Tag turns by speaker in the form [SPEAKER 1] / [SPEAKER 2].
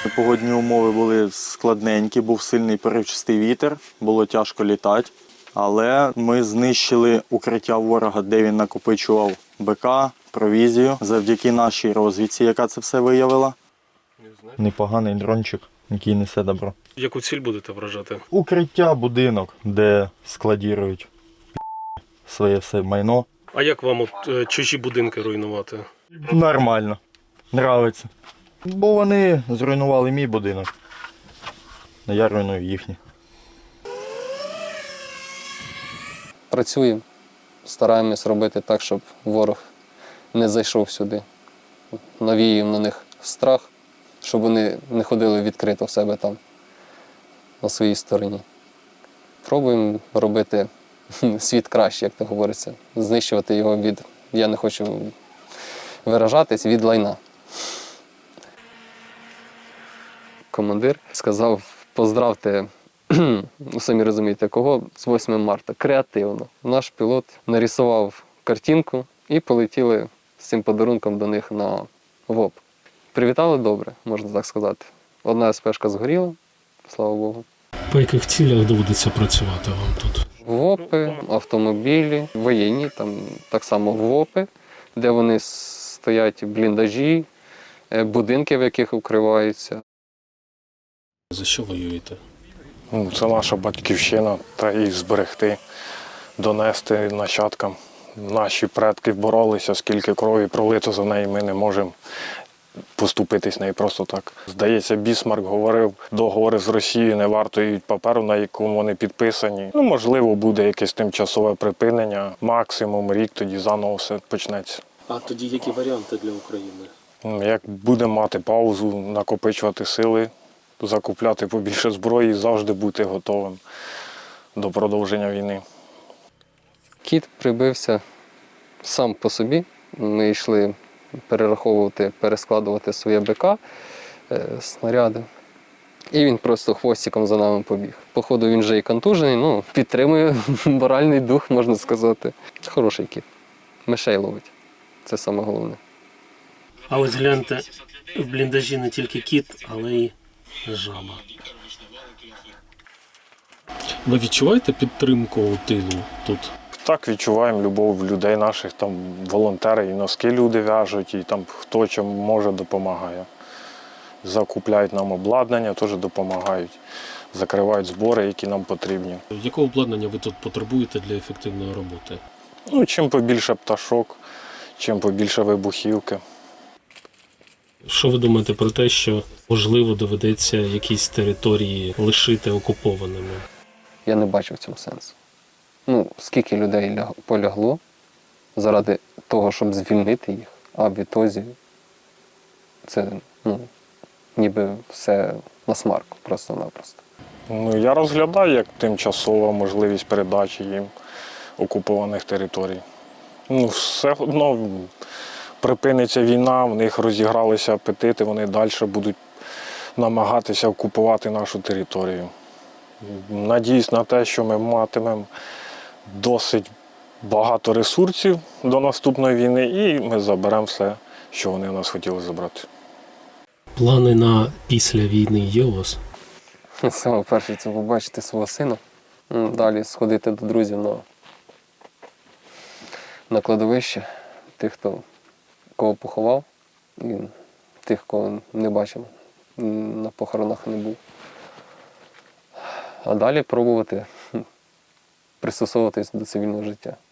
[SPEAKER 1] Погодні умови були складненькі, був сильний поривчастий вітер, було тяжко літати. Але ми знищили укриття ворога, де він накопичував БК, провізію, завдяки нашій розвідці, яка це все виявила. Непоганий дрончик, який несе добро.
[SPEAKER 2] Яку ціль будете вражати?
[SPEAKER 1] Укриття, будинок, де складірують своє все майно.
[SPEAKER 2] А як вам чужі будинки руйнувати?
[SPEAKER 1] Нормально, нравиться. Бо вони зруйнували мій будинок, а я руйную їхній.
[SPEAKER 3] Працюємо, стараємось робити так, щоб ворог не зайшов сюди. Навіюємо на них страх, щоб вони не ходили відкрито в себе там, на своїй стороні. Пробуємо робити світ краще, як то говориться. Знищувати його від, я не хочу виражатись, від лайна. Командир сказав, поздравте, самі розумієте, кого, з 8 марта, креативно. Наш пілот нарисував картинку і полетіли з цим подарунком до них на ВОП. Привітали добре, можна так сказати. Одна СПшка згоріла, слава Богу.
[SPEAKER 2] По яких цілях доводиться працювати вам тут?
[SPEAKER 3] ВОПи, автомобілі, воєнні, там так само ВОПи, де вони стоять бліндажі, будинки, в яких укриваються.
[SPEAKER 2] За що воюєте?
[SPEAKER 4] Це наша батьківщина, та її зберегти, донести нащадкам. Наші предки боролися, скільки крові пролито за неї, ми не можемо поступитись нею просто так. Здається, Бісмарк говорив, договори з Росією не вартують паперу, на якому вони підписані. Можливо, буде якесь тимчасове припинення, максимум рік, тоді заново все почнеться.
[SPEAKER 2] А тоді які варіанти для України?
[SPEAKER 4] Як будемо мати паузу, накопичувати сили, закупляти побільше зброї, завжди бути готовим до продовження війни.
[SPEAKER 3] Кіт прибився сам по собі. Ми йшли перераховувати, перескладувати своє БК, снаряди. І він просто хвостиком за нами побіг. Походу він вже і контужений, підтримує моральний дух, можна сказати. Хороший кіт. Мишей ловить. Це саме головне.
[SPEAKER 2] А ось гляньте, в бліндажі не тільки кіт, але й жаба. Ви відчуваєте підтримку у тилу тут?
[SPEAKER 4] Так, відчуваємо любов людей наших, там волонтери, і носки люди в'яжуть, і там хто чим може допомагає. Закупляють нам обладнання, теж допомагають. Закривають збори, які нам потрібні.
[SPEAKER 2] Якого обладнання ви тут потребуєте для ефективної роботи?
[SPEAKER 4] Чим побільше пташок, чим побільше вибухівки.
[SPEAKER 2] Що ви думаєте про те, що, можливо, доведеться якісь території лишити окупованими?
[SPEAKER 3] Я не бачу в цьому сенсу. Скільки людей полягло заради того, щоб звільнити їх, а в ітозі це, ніби все на смарку, просто-напросто.
[SPEAKER 4] Я розглядаю як тимчасова можливість передачі їм окупованих територій. Все одно припиниться війна, в них розігралися апетити, вони далі будуть намагатися окупувати нашу територію. Надіюсь на те, що ми матимемо досить багато ресурсів до наступної війни і ми заберемо все, що вони в нас хотіли забрати.
[SPEAKER 2] Плани на після війни є у вас?
[SPEAKER 3] Саме перше це побачити свого сина, далі сходити до друзів на кладовище, тих, кого поховав, і тих, кого не бачив, на похоронах не був. А далі пробувати пристосовуватись до цивільного життя.